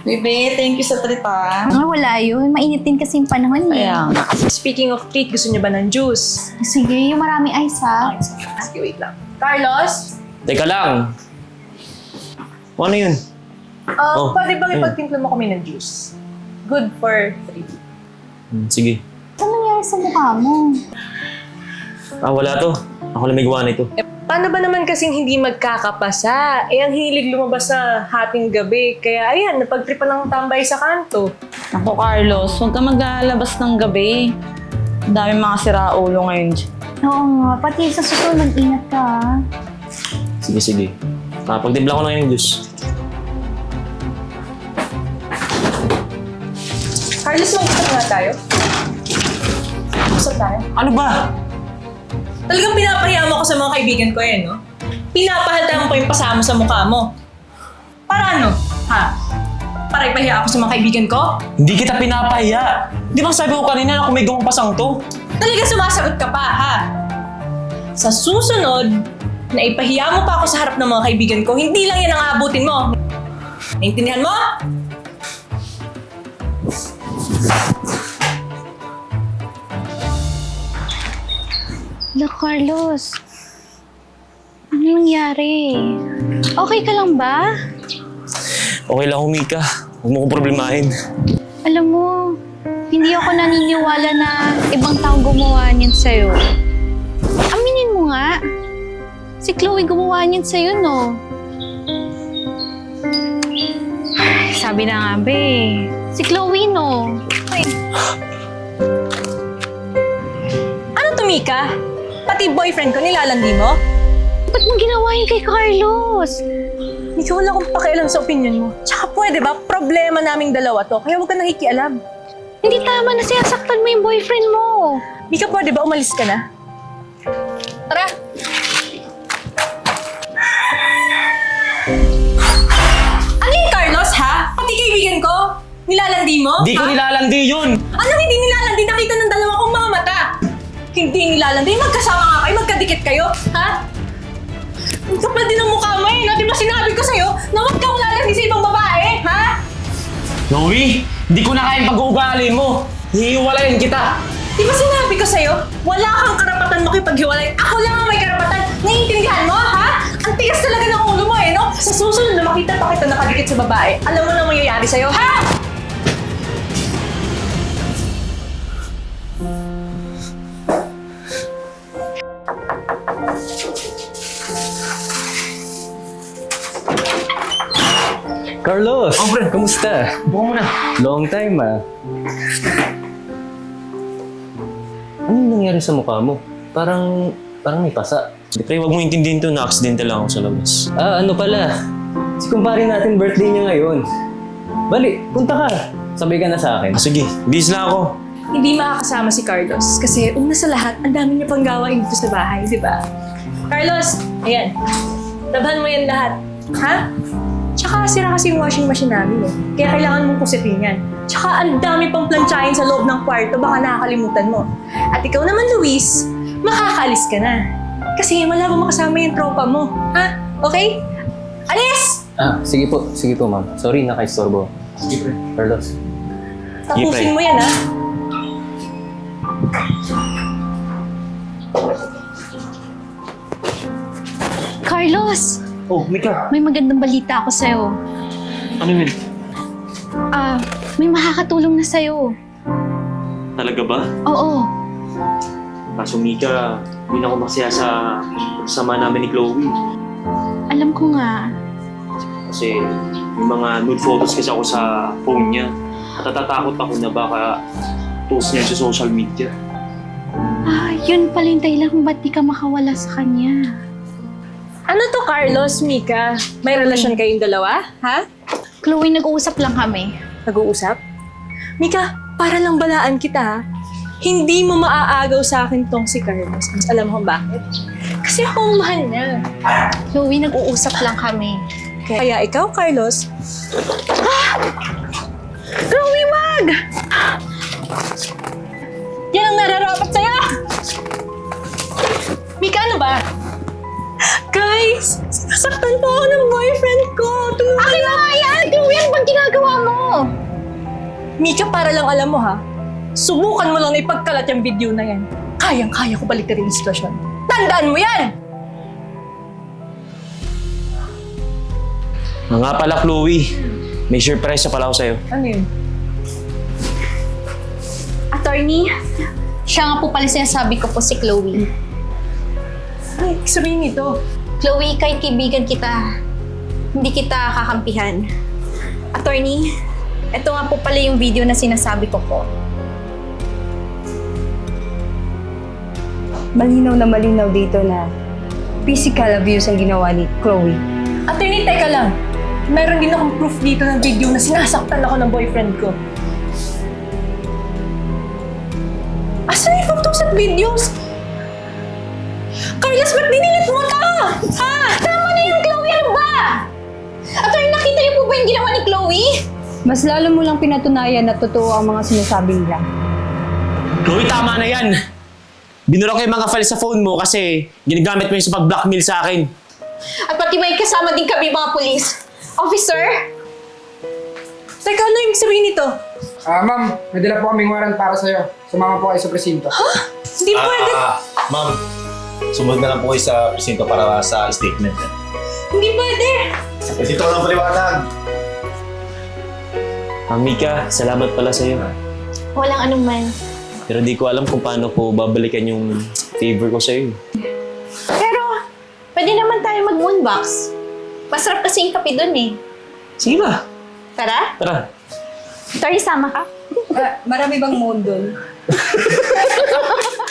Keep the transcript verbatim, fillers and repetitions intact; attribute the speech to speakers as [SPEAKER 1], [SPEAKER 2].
[SPEAKER 1] Bebe, thank you sa treat ah.
[SPEAKER 2] Ah, wala yun. Mainit din kasi yung panahon eh.
[SPEAKER 1] Kaya nga.
[SPEAKER 3] Speaking of treat, gusto niyo ba ng juice?
[SPEAKER 2] Sige, yung maraming ice ha.
[SPEAKER 3] Sige, wait lang. Carlos?
[SPEAKER 4] Teka lang. Ano yun?
[SPEAKER 3] Uh,
[SPEAKER 4] Oh,
[SPEAKER 3] pwede bang
[SPEAKER 4] ayun.
[SPEAKER 3] ipagtimpla mo kami ng juice? Good for three.
[SPEAKER 4] Hmm, sige.
[SPEAKER 2] Ano nangyari sa mukha mo?
[SPEAKER 4] Ah, wala to. Ako lang may gawa nito.
[SPEAKER 3] Eh, paano ba naman kasing hindi magkakapasa? Eh, ang hilig lumabas sa hating gabi. Kaya ayan, napagtripa ng tambay sa kanto.
[SPEAKER 1] Ako, Carlos, huwag ka maglalabas ng gabi. Ang daming mga siraulo ngayon.
[SPEAKER 2] Oo nga, pati sa susunod, ingat ka ha.
[SPEAKER 4] Sige, sige. Ah, pagtimpla ko na yung juice.
[SPEAKER 3] Carlos, mag-usap nga tayo. Usap tayo.
[SPEAKER 4] Ano ba?
[SPEAKER 3] Talagang pinapahiya mo ako sa mga kaibigan ko eh, no? Pinapahalta mo pa yung pasama sa mukha mo. Para ano? Ha? Para ipahiya ako sa mga kaibigan ko?
[SPEAKER 4] Hindi kita pinapahiya. Di ba sabi ko kanina na kung may gawang pasang to?
[SPEAKER 3] Talaga sumasagot ka pa, ha? Sa susunod, na ipahiya mo pa ako sa harap ng mga kaibigan ko, hindi lang yan ang aabutin mo. Naintindihan mo?
[SPEAKER 2] Hala, Carlos. Ano nangyari? Okay ka lang ba?
[SPEAKER 4] Okay lang, Humika. Huwag mo kong problemahin.
[SPEAKER 2] Alam mo, hindi ako naniniwala na ibang tao gumawa niyan sa'yo. Aminin mo nga. Si Chloe gumawa niyan sa'yo, no? Ay, sabi na nga, be. Si Chloe, no? Ay,
[SPEAKER 3] Ano to, Mika? Pati boyfriend ko nilalandi mo?
[SPEAKER 2] ba't mo ginawa yun kay Carlos?
[SPEAKER 3] Mika, wala akong pakialam sa opinion mo. Tsaka pwede ba, problema naming dalawa to, kaya huwag ka nakikialam.
[SPEAKER 2] Hindi tama na sinasaktan mo yung boyfriend mo.
[SPEAKER 3] Mika, pwede ba umalis ka na? Tara! Ano yung Carlos, ha? Pati kaibigan ko? Nilalandi mo?
[SPEAKER 4] Di ko
[SPEAKER 3] ha?
[SPEAKER 4] nilalandi yun!
[SPEAKER 3] Anong hindi nilalandi? Nakita ng dalawa kong mga mata. Hindi nilalandi. Magkasama nga kayo. Magkadikit kayo. Ha? Ang kapal din ang mukha mo eh. No? Di ba sinabi ko sa'yo na huwag kang lalandi sa ibang babae? Ha?
[SPEAKER 4] Chloe, di ko na kayang pag-uugali mo. Hihiwalayin kita.
[SPEAKER 3] Di ba sinabi ko sa'yo, wala kang karapatan makipaghiwalay. Ako lang ang may karapatan. Naiintindihan mo, ha? Ang tigas talaga ng ulo mo eh, no? Sa susunod na makita pa kita nakadikit sa babae, alam mo na mangyayari sa'yo, ha?
[SPEAKER 5] Carlos!
[SPEAKER 4] Oh, pre.
[SPEAKER 5] Kamusta?
[SPEAKER 4] Buka mo na.
[SPEAKER 5] Long time ah. Ano yung nangyari sa mukha mo? Parang, parang may pasa.
[SPEAKER 4] Pre, huwag mo intindihin to. Na-accidental lang ako sa labas.
[SPEAKER 5] Ah, ano pala? Si kumpare natin birthday niya ngayon. Bali, punta ka. Sabay ka na sa akin.
[SPEAKER 4] Ah, sige, bis na ako.
[SPEAKER 3] Hindi makakasama si Carlos kasi una sa lahat, ang dami niya pang gawain dito sa bahay, di ba? Carlos, ayan. Laban mo yan lahat. Ha? Tsaka sira kasi yung washing machine namin eh. Kaya kailangan mong kusitin yan. Tsaka ang dami pang plantsahin sa loob ng kwarto, baka nakakalimutan mo. At ikaw naman, Luis, makakaalis ka na. Kasi wala ba makasama yung tropa mo. Ha? Okay? Alis!
[SPEAKER 5] Ah, sige po. Sige po, ma'am. Sorry, nakaistorbo.
[SPEAKER 4] Sige, pre.
[SPEAKER 5] Carlos.
[SPEAKER 3] Tapusin mo yan, ha?
[SPEAKER 2] Carlos,
[SPEAKER 4] Oh, Mika.
[SPEAKER 2] may magandang balita ako sa'yo.
[SPEAKER 4] Ano yun?
[SPEAKER 2] Ah, may makakatulong na sa'yo.
[SPEAKER 4] Talaga ba?
[SPEAKER 2] Oo.
[SPEAKER 4] Kaso Mika, hindi na ako masaya sa sama namin ni Chloe.
[SPEAKER 2] Alam ko nga.
[SPEAKER 4] Kasi may mga nude photos kasi ako sa phone niya. At natatakot ako na baka post niya sa social media.
[SPEAKER 2] Ah, yun pala yung dahilan kung ba't di ka makawala sa kanya.
[SPEAKER 3] Ano to, Carlos, Mika? May relasyon kayong dalawa? Ha?
[SPEAKER 2] Chloe, nag-uusap lang kami.
[SPEAKER 3] Nag-uusap? Mika, para lang balaan kita, ha? Hindi mo maaagaw sa akin tong si Carlos. Alam mo kung bakit? Kasi ako ang mahal niya.
[SPEAKER 2] Chloe, nag-uusap lang kami.
[SPEAKER 3] Kaya ikaw, Carlos,
[SPEAKER 2] Chloe, wag!
[SPEAKER 3] yan ang nararapat sa'yo! Mika, ano ba? Guys, sinasaktan po ako ng boyfriend ko. Tulungan
[SPEAKER 2] Akin na nga yan! Chloe, ano bang ginagawa mo?
[SPEAKER 3] Mika, para lang alam mo ha, subukan mo lang na ipagkalat yung video na yan. Kayang-kaya ko balik yung sitwasyon. Tandaan mo yan!
[SPEAKER 4] Ah, nga pala, Chloe. May surprise na pala ako sa'yo.
[SPEAKER 3] Ano yun?
[SPEAKER 2] Attorney, siya nga po pala sinasabi ko po si Chloe.
[SPEAKER 3] Ay, sabihin nito.
[SPEAKER 2] Chloe, kahit kaibigan kita, hindi kita kakampihan. Attorney, ito nga po pala yung video na sinasabi ko po.
[SPEAKER 6] Malinaw na malinaw dito na physical abuse ang ginawa ni Chloe.
[SPEAKER 3] Attorney, teka lang. Meron din akong proof dito ng video na sinasaktan ako ng boyfriend ko. Asan yung photos at videos? Carlos, ba't dinilit mo ito? Ha?
[SPEAKER 2] Tama na yung Chloe, ano ba? Attorney, nakita niyo po ba yung ginawa ni Chloe?
[SPEAKER 6] Mas lalo mo lang pinatunayan na totoo ang mga sinasabi nila.
[SPEAKER 4] Chloe, tama na yan! Binura ko yung mga files sa phone mo kasi ginagamit mo yung sa pag-blackmail sa akin.
[SPEAKER 2] At pati may kasama din kami mga pulis. Officer?
[SPEAKER 3] Teka, ano yung sabihin nito?
[SPEAKER 7] Ah, ma'am, may dala po kaming warrant para sa'yo. Sumama po kayo sa presinto.
[SPEAKER 3] Hindi pwede.
[SPEAKER 8] Ah, ma'am, sumunod na lang po kayo sa presinto para sa statement.
[SPEAKER 3] Hindi pwede.
[SPEAKER 8] Presinto ko lang paliwanag.
[SPEAKER 4] Ah, Mika, salamat pala sa'yo.
[SPEAKER 2] Walang anuman.
[SPEAKER 4] Pero di ko alam kung paano ko babalikan yung favor ko sa'yo.
[SPEAKER 2] Pero, pwede naman tayo mag-moonbox. Masarap kasi yung kape dun eh.
[SPEAKER 4] Sige ba?
[SPEAKER 2] Tara?
[SPEAKER 4] Tara.
[SPEAKER 2] Tori, sama ka?
[SPEAKER 6] marami bang moon doon?